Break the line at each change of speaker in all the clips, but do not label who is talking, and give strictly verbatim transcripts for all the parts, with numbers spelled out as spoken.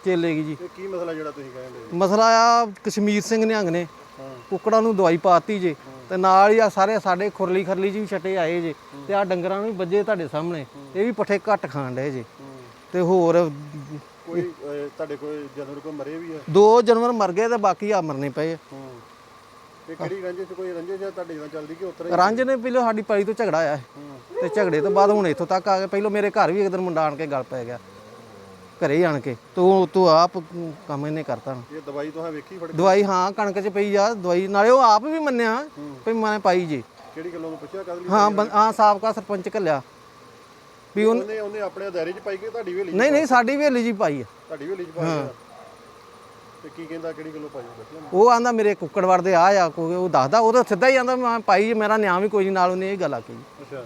ਚੇਲੇਗੀ ਜੀ।
ਕੀ ਮਸਲਾ ਜਿਹੜਾ ਤੁਸੀਂ ਕਹਿੰਦੇ?
ਮਸਲਾ ਆ ਕਸ਼ਮੀਰ ਸਿੰਘ ਨਿਹੰਗ ਨੇ ਕੁੱਕੜਾਂ ਨੂੰ ਦਵਾਈ ਪਾਤੀ ਜੇ ਤੇ ਨਾਲ ਹੀ ਆ ਸਾਰੇ ਸਾਡੇ ਖੁਰਲੀ ਖਰਲੀ ਜੀ ਵੀ ਛੱਟੇ ਆਏ ਜੇ ਤੇ ਆ ਡੰਗਰਾਂ ਨੂੰ ਵੀ ਵੱਜੇ ਤੁਹਾਡੇ ਸਾਹਮਣੇ। ਇਹ ਵੀ ਪੱਠੇ ਘੱਟ ਖਾਣ ਡਏ ਜੇ ਤੇ ਹੋਰ
ਕੋਈ ਤੁਹਾਡੇ ਕੋਈ ਜਾਨਵਰ ਕੋਈ ਮਰੇ ਵੀ ਆ?
ਦੋ ਜਾਨਵਰ ਮਰ ਗਏ ਤੇ ਬਾਕੀ ਆ ਮਰਨੇ ਪਏ।
ਤੇ ਕਿਹੜੀ ਰੰਜਿਸ਼ ਕੋਈ ਰੰਜਿਸ਼ ਤੁਹਾਡੇ ਨਾਲ ਚੱਲਦੀ ਕਿ ਉਤਰਾ
ਰੰਜ ਨੇ ਪਹਿਲਾਂ ਸਾਡੀ ਪਾਈ ਤੋਂ ਝਗੜਾ ਆਇਆ ਤੇ ਝਗੜੇ ਤੋਂ ਬਾਅਦ ਹੁਣ ਇੱਥੋਂ ਤੱਕ ਆ ਗਏ। ਪਹਿਲਾਂ ਮੇਰੇ ਘਰ ਵੀ ਇੱਕ ਦਿਨ ਮੁੰਡਾ ਆਣ ਕੇ ਗੱਲ ਪੈ ਗਿਆ ਘਰੇ ਹੀ ਆਣ ਕੇ ਤੂੰ ਤੂੰ ਆਪ ਕੰਮ ਇਹਨੇ ਕਰਤਾ।
ਇਹ ਦਵਾਈ ਤੁਸੀਂ ਵੇਖੀ ਫੜ?
ਦਵਾਈ ਹਾਂ ਕਣਕ 'ਚ ਪਈ ਆ ਦਵਾਈ, ਨਾਲੇ ਉਹ ਆਪ ਵੀ ਮੰਨਿਆ ਵੀ ਮੈਂ ਪਾਈ ਜੀ।
ਕਿਹੜੀ ਗੱਲੋਂ ਨੂੰ ਪੁੱਛਿਆ ਕਦ ਲਈ?
ਹਾਂ ਹਾਂ ਸਾਬਕਾ ਸਰਪੰਚ ਘੱਲਿਆ ਵੀ
ਉਹਨੇ ਉਹਨੇ ਆਪਣੇ ਦਾਇਰੇ 'ਚ ਪਾਈ ਕਿ ਤੁਹਾਡੀ ਹਵੇਲੀ?
ਨਹੀਂ ਨਹੀਂ ਸਾਡੀ ਹਵੇਲੀ 'ਚ ਪਾਈ ਆ।
ਤੁਹਾਡੀ ਹਵੇਲੀ 'ਚ ਪਾਈ? ਤੇ ਕੀ ਕਹਿੰਦਾ ਕਿਹੜੀ ਗੱਲੋਂ ਪਾਈ?
ਉਹ ਆਂਦਾ ਮੇਰੇ ਕੁੱਕੜ ਵੜਦੇ ਆ ਆ ਕੋਈ ਉਹ ਦੱਸਦਾ ਉਹ ਤਾਂ ਸਿੱਧਾ ਹੀ ਆਂਦਾ ਮੈਂ ਪਾਈ ਮੇਰਾ ਨਿਆਂ ਵੀ ਕੋਈ ਨਹੀਂ ਨਾਲ। ਉਹਨੇ ਇਹ ਗੱਲ ਆਖੀ।
ਅੱਛਾ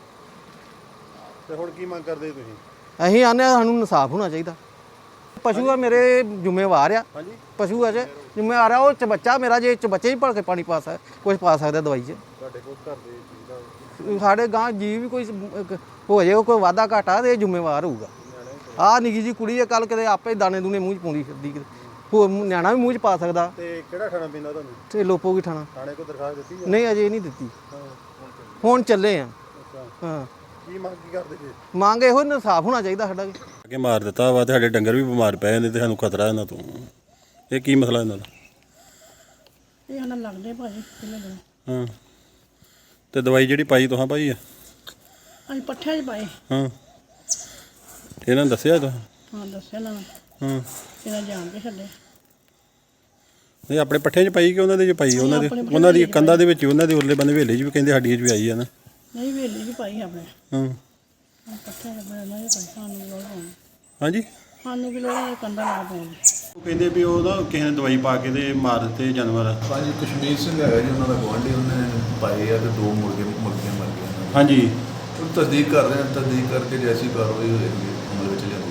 ਤੇ ਹੁਣ ਕੀ ਮੰਗ ਕਰਦੇ ਤੁਸੀਂ?
ਅਸੀਂ ਆਨੇ ਸਾਨੂੰ ਇਨਸਾਫ ਹੋਣਾ ਚਾਹੀਦਾ। ਪਸ਼ੂ ਆ ਮੇਰੇ ਜ਼ਿੰਮੇਵਾਰ ਆ।
ਹਾਂਜੀ
ਪਸ਼ੂ ਆ ਜੇ ਜ਼ਿੰਮੇਵਾਰ ਆ। ਉਹ ਚ ਬੱਚਾ ਮੇਰਾ ਜੇ ਚ ਬੱਚੇ ਹੀ ਭਲ ਕੇ ਪਾਣੀ ਪਾ ਸਕਦਾ ਕੁਝ ਪਾ ਸਕਦਾ ਦਵਾਈ 'ਚ।
ਤੁਹਾਡੇ ਕੋਲ ਘਰ ਦੇ
ਸਾਡੇ ਗਾਂ ਜੀ ਵੀ ਕੋਈ ਹੋ ਜਾਏ ਕੋਈ ਵਾਧਾ ਘਾਟਾ ਤੇ ਇਹ ਜ਼ਿੰਮੇਵਾਰ ਹੋਊਗਾ। ਆਹ ਨਿੱਕੀ ਜੀ ਕੁੜੀ ਆ ਕੱਲ ਕਿਤੇ ਆਪੇ ਦਾਣੇ ਦੂਣੇ ਮੂੰਹ 'ਚ ਪਾਉਂਦੀ ਫਿਰਦੀ ਕਿਤੇ ਹੋ ਨਿਆਣਾ ਵੀ ਮੂੰਹ 'ਚ ਪਾ ਸਕਦਾ।
ਤੇ ਕਿਹੜਾ ਖਾਣਾ ਪੀਂਦਾ ਤੁਹਾਨੂੰ?
ਤੇ ਲੋਪੋਗੀ ਥਾਣਾ।
ਥਾਣੇ ਕੋਲ ਦਰਖਾਸਤ ਦਿੱਤੀ?
ਨਹੀਂ ਅਜੇ ਨਹੀਂ ਦਿੱਤੀ। ਹੁਣ ਚੱਲੇ ਆ। ਹਾਂ
ਕੀ ਮੰਗ ਕੀ ਕਰਦੇ ਜੀ?
ਮੰਗ ਇਹੋ ਇਨਸਾਫ ਹੋਣਾ ਚਾਹੀਦਾ ਸਾਡਾ ਵੀ।
ਅੱਗੇ ਮਾਰ ਦਿੱਤਾ ਵਾ ਤੇ ਸਾਡੇ ਡੰਗਰ ਵੀ ਬਿਮਾਰ ਪਏ ਜਾਂਦੇ ਤੇ ਸਾਨੂੰ ਖਤਰਾ ਇਹਨਾਂ ਤੋਂ। ਇਹ ਕੀ ਮਸਲਾ ਇਹਨਾਂ ਦਾ?
ਇਹ ਸਾਨੂੰ ਲੱਗਦੇ ਭਾਜੀ ਕਿੰਨੇ ਦਿਨ।
ਹਾਂ ਤੇ ਦਵਾਈ ਜਿਹੜੀ ਪਾਈ ਤੁਹਾਂ ਪਾਈ ਆ?
ਅਸੀਂ ਪੱਠਿਆਂ 'ਚ ਪਾਏ।
ਹਾਂ ਇਹਨਾਂ ਨੇ ਦੱਸਿਆ ਤੁਹਾਂ?
ਹਾਂ ਦੱਸਿਆ ਨਾ।
ਹਾਂ
ਇਹਨਾਂ ਜਾਣ ਕੇ ਛੱਡੇ।
ਨਹੀਂ ਆਪਣੇ ਪੱਠਿਆਂ 'ਚ ਪਾਈ ਕਿ ਉਹਨਾਂ ਦੇ 'ਚ ਪਾਈ? ਉਹਨਾਂ ਦੇ ਉਹਨਾਂ ਦੀ ਕੰਧਾਂ ਦੇ ਵਿੱਚ ਉਹਨਾਂ ਦੇ ਉਰਲੇ ਬੰਦੇ ਹਵੇਲੀ 'ਚ ਵੀ ਕਹਿੰਦੇ ਸਾਡੀ 'ਚ ਵੀ ਆਈ ਆ ਨਾ।
ਨਹੀਂ ਹਵੇਲੀ 'ਚ ਪਾਈ ਆਪਣੇ।
ਹਾਂ
ਪੱਠਿਆਂ 'ਚ ਇਹਨਾਂ ਦੇ ਪਾਈ। ਸਾਨੂੰ ਵੀ ਲੋੜ ਪਾਉਣੀ।
ਹਾਂਜੀ
ਸਾਨੂੰ ਵੀ ਲੋੜ ਹੈ ਕੰਧਾਂ ਲਾ ਪਾਉਣੀ।
ਉਹ ਕਹਿੰਦੇ ਵੀ ਉਹ ਨਾ ਕਿਸੇ ਨੇ ਦਵਾਈ ਪਾ ਕੇ ਤੇ ਮਾਰ ਦਿੱਤੇ ਜਾਨਵਰ।
ਹਾਂਜੀ ਕਸ਼ਮੀਰ ਸਿੰਘ ਹੈਗਾ ਜੀ ਉਹਨਾਂ ਦਾ ਗੁਆਂਢੀ। ਉਹਨੇ ਪਾਏ ਆ ਤੇ ਦੋ ਮੁਰਗੇ ਮੁਰਗੀਆਂ ਮਰ ਗਈਆਂ।
ਹਾਂਜੀ
ਉਹ ਤਸਦੀਕ ਕਰ ਰਹੇ ਹਾਂ। ਤਸਦੀਕ ਕਰਕੇ ਜੈਸੀ ਕਾਰਵਾਈ ਹੋਏਗੀ ਅਮਲ ਵਿੱਚ ਲਿਆ